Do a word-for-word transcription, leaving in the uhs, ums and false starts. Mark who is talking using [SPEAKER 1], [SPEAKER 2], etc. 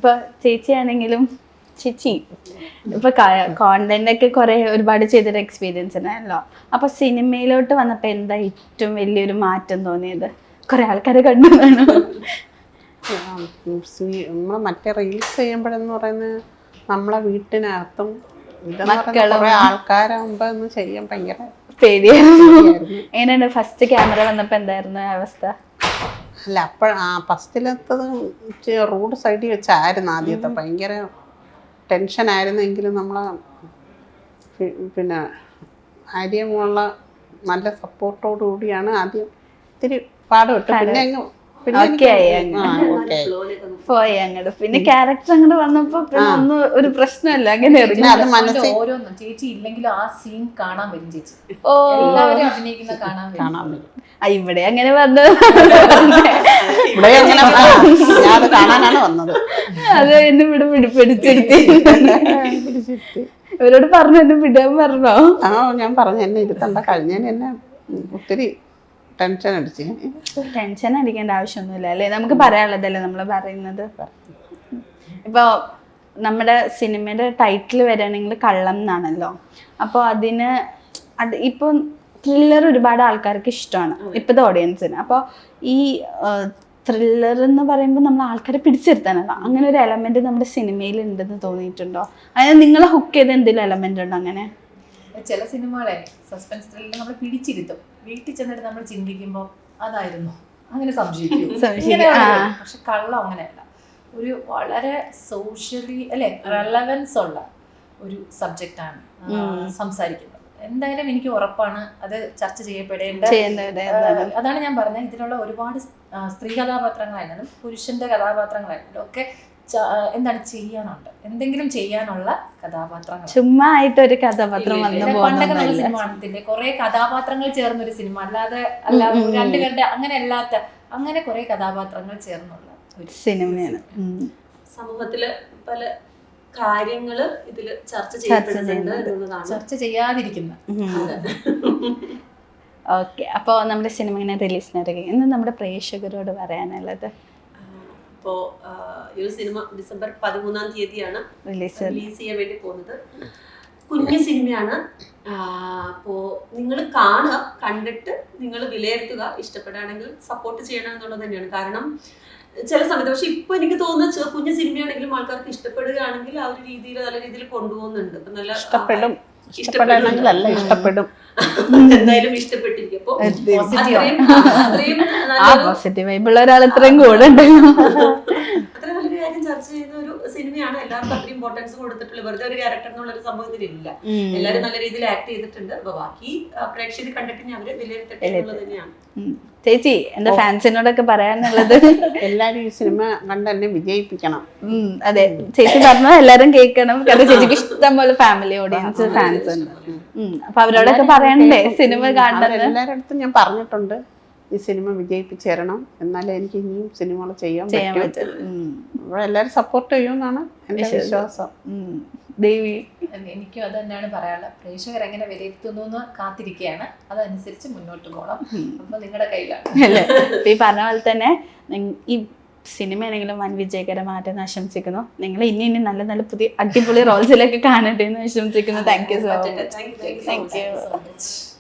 [SPEAKER 1] ഇപ്പൊ ചേച്ചിയാണെങ്കിലും ചേച്ചി ഇപ്പൊ കോണ്ടന്റ് ഒക്കെ കുറെ ഒരുപാട് ചെയ്തൊരു എക്സ്പീരിയൻസ് ഉണ്ടായല്ലോ. അപ്പൊ സിനിമയിലോട്ട് വന്നപ്പോ എന്താ ഏറ്റവും വലിയൊരു മാറ്റം തോന്നിയത്? കുറെ ആൾക്കാരെ കണ്ടതാണ്.
[SPEAKER 2] നമ്മള് മറ്റേ റീൽസ് ചെയ്യുമ്പോഴെന്ന് പറയുന്നത് നമ്മളെ വീട്ടിനകത്തും
[SPEAKER 1] മക്കളും
[SPEAKER 2] ആൾക്കാരാകുമ്പോ ഒന്ന് ചെയ്യാൻ ഭയങ്കര
[SPEAKER 1] പേടിയായിരുന്നു. എങ്ങനെയാണ് ഫസ്റ്റ് ക്യാമറ വന്നപ്പോ എന്തായിരുന്നു അവസ്ഥ?
[SPEAKER 2] അല്ല അപ്പഴ ആ ഫസ്റ്റിലെത്തത് റോഡ് സൈഡിൽ വെച്ചായിരുന്നു ആദ്യത്തെ. ഭയങ്കര ടെൻഷനായിരുന്നെങ്കിലും നമ്മളെ പിന്നെ ആര്യമുള്ള നല്ല സപ്പോർട്ടോടു കൂടിയാണ് ആദ്യം ഇത്തിരി പാടുപെട്ട് പിന്നെ അങ്ങ്
[SPEAKER 1] പോയി അങ്ങോട്ട്. പിന്നെ ക്യാരക്ടർ അങ്ങോട്ട് വന്നപ്പോ പിന്നെ ഒന്നും ഒരു പ്രശ്നമല്ല. അങ്ങനെ
[SPEAKER 3] ഓരോന്നും ചേച്ചി ഇല്ലെങ്കിലും ആ സീൻ കാണാൻ വരും ചേച്ചി. ഓ എല്ലാവരും അഭിനയിക്കുന്ന കാണാൻ കാണാൻ വരും.
[SPEAKER 1] ഇവിടെ അങ്ങനെ വന്നത്
[SPEAKER 2] അത് കാണാനാണ് വന്നത്.
[SPEAKER 1] അത് എന്നെ ഇവിടെ പിടിപ്പിടിച്ചിരുത്തി ഇവരോട് പറഞ്ഞു എന്നെ വിടാൻ പറഞ്ഞോ?
[SPEAKER 2] ആ ഞാൻ പറഞ്ഞു എന്നെ ഇരുത്തണ്ട, കഴിഞ്ഞതിന് എന്നെ ഒത്തിരി ടെൻഷൻ അടിച്ച്.
[SPEAKER 1] ടെൻഷൻ അടിക്കേണ്ട ആവശ്യമൊന്നുമില്ല അല്ലേ, നമുക്ക് പറയാനുള്ളതല്ലേ നമ്മൾ പറയുന്നത്. ഇപ്പൊ നമ്മുടെ സിനിമയുടെ ടൈറ്റിൽ വരികയാണെങ്കിൽ കള്ളം എന്നാണല്ലോ. അപ്പോൾ അതിന് അത് ഇപ്പൊ ത്രില്ലർ ഒരുപാട് ആൾക്കാർക്ക് ഇഷ്ടമാണ് ഇപ്പോഴത്തെ ഓഡിയൻസിന്. അപ്പോൾ ഈ ത്രില്ലർ എന്ന് പറയുമ്പോൾ നമ്മൾ ആൾക്കാരെ പിടിച്ചിരുത്താനല്ല, അങ്ങനെ ഒരു എലമെന്റ് നമ്മുടെ സിനിമയിൽ ഉണ്ടെന്ന് തോന്നിയിട്ടുണ്ടോ? അതായത് നിങ്ങളെ ഹുക്ക് ചെയ്ത എന്തെങ്കിലും എലമെന്റ് ഉണ്ടോ അങ്ങനെ?
[SPEAKER 3] ചില സിനിമകളെ സസ്പെൻസ് ത്രില്ലർ നമ്മൾ പിടിച്ചിരുത്തും, വീട്ടിൽ ചെന്നിട്ട് നമ്മൾ ചിന്തിക്കുമ്പോൾ അതായിരുന്നു അങ്ങനെ സംശയിക്കും. പക്ഷെ കള്ളം അങ്ങനെയല്ല, ഒരു വളരെ സോഷ്യലി അല്ലെ റെലവൻസ് ഉള്ള ഒരു സബ്ജക്റ്റാണ് സംസാരിക്കുന്നത്. എന്തായാലും എനിക്ക് ഉറപ്പാണ് അത് ചർച്ച ചെയ്യപ്പെടേണ്ട. അതാണ് ഞാൻ പറഞ്ഞത്, ഇതിലുള്ള ഒരുപാട് സ്ത്രീ കഥാപാത്രങ്ങളായിരുന്നാലും പുരുഷന്റെ കഥാപാത്രങ്ങളായിരുന്നാലും ഒക്കെ എന്താണ് ചെയ്യാനുണ്ട്, എന്തെങ്കിലും ചെയ്യാനുള്ള കഥാപാത്രങ്ങൾ.
[SPEAKER 1] ചുമ്മാ ആയിട്ടൊരു കഥാപാത്രം
[SPEAKER 3] പണ്ടൊക്കെ നമ്മൾ സിനിമ കാണത്തില്ലേ, കുറെ കഥാപാത്രങ്ങൾ ചേർന്നൊരു സിനിമ, അല്ലാതെ അല്ലാതെ രണ്ടുപേരുടെ അങ്ങനെ അല്ലാത്ത അങ്ങനെ കുറെ കഥാപാത്രങ്ങൾ ചേർന്നുള്ള ഒരു
[SPEAKER 1] സിനിമയാണ്.
[SPEAKER 4] സമൂഹത്തില് പല കാര്യങ്ങള് ഇതില് ചർച്ച ചെയ്യപ്പെടുന്നുണ്ട്,
[SPEAKER 3] ചർച്ച ചെയ്യാതിരിക്കുന്ന.
[SPEAKER 1] ഓക്കെ, അപ്പോൾ നമ്മുടെ സിനിമ ഇങ്ങനെ റിലീസിനിറങ്ങി, ഇന്ന് നമ്മുടെ പ്രേക്ഷകരോട് പറയാനുള്ളത്?
[SPEAKER 4] അപ്പോൾ ഈ ഒരു സിനിമ ഡിസംബർ പതിമൂന്നാം തീയതിയാണ് റിലീസ് ചെയ്യാൻ വേണ്ടി പോകുന്നത്. കുഞ്ഞു സിനിമയാണ്. അപ്പോൾ നിങ്ങൾ കാണുക, കണ്ടിട്ട് നിങ്ങൾ വിലയിരുത്തുക, ഇഷ്ടപ്പെടുകയാണെങ്കിൽ സപ്പോർട്ട് ചെയ്യണം എന്നുള്ളത് തന്നെയാണ്. കാരണം ചില സമയത്ത് പക്ഷെ ഇപ്പൊ എനിക്ക് തോന്നുന്നത് കുഞ്ഞു സിനിമയാണെങ്കിലും ആൾക്കാർക്ക് ഇഷ്ടപ്പെടുകയാണെങ്കിൽ ആ ഒരു രീതിയിൽ നല്ല രീതിയിൽ കൊണ്ടുപോകുന്നുണ്ട്. ഇപ്പൊ നല്ല
[SPEAKER 2] ഇഷ്ടപ്പെടും ഇഷ്ടപ്പെടണമെങ്കിലല്ല ഇഷ്ടപ്പെടും
[SPEAKER 4] എന്തായാലും ഇഷ്ടപ്പെട്ടിരിക്കും. അപ്പൊ അത്രയും അത്രയും
[SPEAKER 1] ഇത്രയും കൂടെ
[SPEAKER 4] അത്രയും നല്ലൊരു കാര്യം ചർച്ച ചെയ്യുന്ന ഒരു സിനിമയാണ്. എല്ലാവർക്കും അത്രയും ഇമ്പോർട്ടൻസ് കൊടുത്തിട്ടുള്ള വെറുതെ ഒരു ക്യാരക്ടർ എന്നുള്ള ഒരു സംഭവത്തിലില്ല. എല്ലാവരും നല്ല രീതിയിൽ ആക്ട് ചെയ്തിട്ടുണ്ട്. അപ്പൊ ബാക്കി പ്രേക്ഷകർ കണ്ടിട്ട് അവര് വിലയിരുത്തട്ടെ എന്നുള്ളത് തന്നെയാണ്.
[SPEAKER 1] ചേച്ചി എന്റെ ഫാൻസിനോടൊക്കെ പറയാനുള്ളത്,
[SPEAKER 2] എല്ലാരും ഈ സിനിമ കണ്ട് തന്നെ വിജയിപ്പിക്കണം.
[SPEAKER 1] അതെ, ചേച്ചി പറഞ്ഞ എല്ലാരും കേൾക്കണം. കാരണം ചേച്ചിക്ക് ഇഷ്ടം പോലെ ഫാമിലി ഓഡിയൻസ് ഫാൻസ് ഉണ്ട്. അപ്പൊ അവരോടൊക്കെ പറയണ്ടേ സിനിമ കാണുന്നത്?
[SPEAKER 2] എല്ലാവരുടെ അടുത്തും ഞാൻ പറഞ്ഞിട്ടുണ്ട്, ഈ സിനിമ വിജയിപ്പിച്ചു തരണം, എന്നാലേ എനിക്ക് ഇനിയും സിനിമകൾ ചെയ്യാൻ പറ്റും. ഇവിടെ എല്ലാവരും സപ്പോർട്ട് ചെയ്യുമെന്നാണ് എന്റെ വിശ്വാസം.
[SPEAKER 1] ദേവി,
[SPEAKER 3] എനിക്കും അത് തന്നെയാണ് പറയാനുള്ളത്. പ്രേക്ഷകർ എങ്ങനെ വിലയിരുത്തുന്നു എന്ന് കാത്തിരിക്കുകയാണ്, അതനുസരിച്ച് മുന്നോട്ട് പോകണം. അപ്പൊ നിങ്ങളുടെ കയ്യിലാണ്
[SPEAKER 1] അല്ലേ. ഈ പറഞ്ഞ പോലെ തന്നെ ഈ സിനിമയാണെങ്കിലും വൻ വിജയകരമായിട്ട് ആശംസിക്കുന്നു. നിങ്ങൾ ഇനി ഇനി നല്ല നല്ല പുതിയ അടിപൊളി റോൾസിലൊക്കെ കാണട്ടെ എന്ന് ആശംസിക്കുന്നു. Thank you so much.
[SPEAKER 3] Thank you so much.